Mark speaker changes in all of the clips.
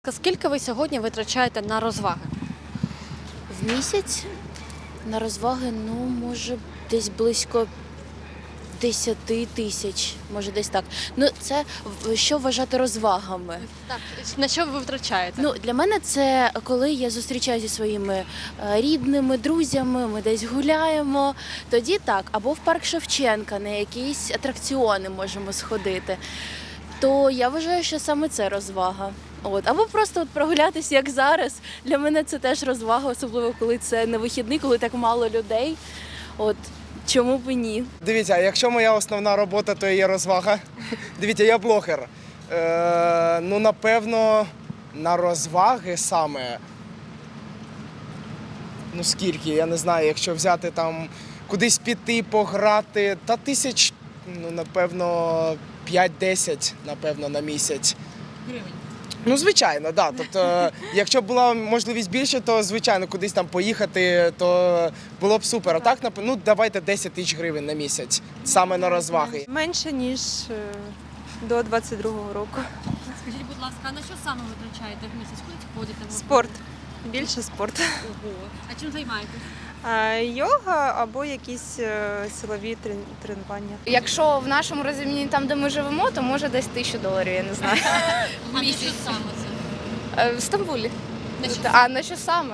Speaker 1: Скільки ви сьогодні витрачаєте на розваги?
Speaker 2: В місяць на розваги, може, десь близько 10 тисяч, може десь так. Це що вважати розвагами?
Speaker 1: Так. На що ви витрачаєте?
Speaker 2: Для мене це коли я зустрічаюся зі своїми рідними, друзями, ми десь гуляємо, тоді так. Або в парк Шевченка, на якісь атракціони можемо сходити. То я вважаю, що саме це розвага. Або просто прогулятися, як зараз. Для мене це теж розвага, особливо коли це не вихідний, коли так мало людей. Чому б і ні?
Speaker 3: Дивіться, якщо моя основна робота, то є розвага. Дивіться, я блогер. Напевно, на розваги саме. Скільки, я не знаю, якщо взяти там кудись піти, пограти, та тисяч, напевно, 5-10, напевно, на місяць.
Speaker 1: Гривень.
Speaker 3: Звичайно, так. Тобто, якщо б була можливість більше, то, звичайно, кудись там поїхати, то було б супер. А так, давайте 10 тисяч гривень на місяць, саме на розваги.
Speaker 4: Менше, ніж до 22-го року.
Speaker 1: Скажіть, будь ласка, а на що саме витрачаєте в місяць? Куди ходите?
Speaker 4: Спорт. Більше спорт.
Speaker 1: Ого. А чим займаєтесь?
Speaker 4: Йога або якісь силові тренування.
Speaker 5: Якщо в нашому розумінні, там, де ми живемо, то може десь $1000, я не знаю.
Speaker 1: А на що саме це?
Speaker 5: В Стамбулі.
Speaker 1: На що
Speaker 5: А на що саме?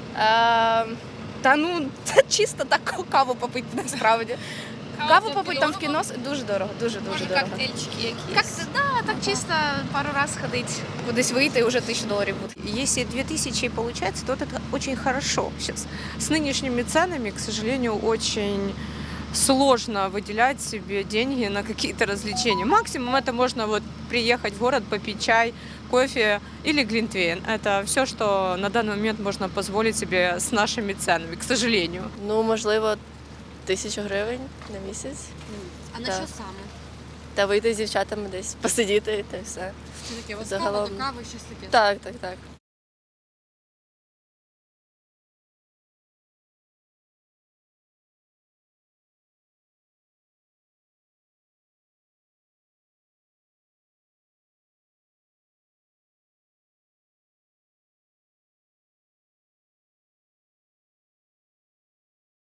Speaker 5: Це чисто так каву попити насправді. Каву попити там в кіно дуже дорого, дуже
Speaker 1: Може,
Speaker 5: дорого.
Speaker 1: коктейльчики якісь?
Speaker 5: Так чисто пару раз ходити, кудись вийти і вже $1000 буде.
Speaker 6: Если 2000 получается, то это очень хорошо. Сейчас с нынешними ценами, к сожалению, очень сложно выделять себе деньги на какие-то развлечения. Максимум это можно приехать в город, попить чай, кофе или глинтвейн. Это все, что на данный момент можно позволить себе с нашими ценами, к сожалению.
Speaker 2: Можливо, 1000 гривень на місяць.
Speaker 1: А на
Speaker 2: Так.
Speaker 1: що саме?
Speaker 2: Та вийти з дівчатами десь посидіти та все.
Speaker 1: Це таке,
Speaker 2: Загалом.
Speaker 1: кава, щось таке?
Speaker 2: Так.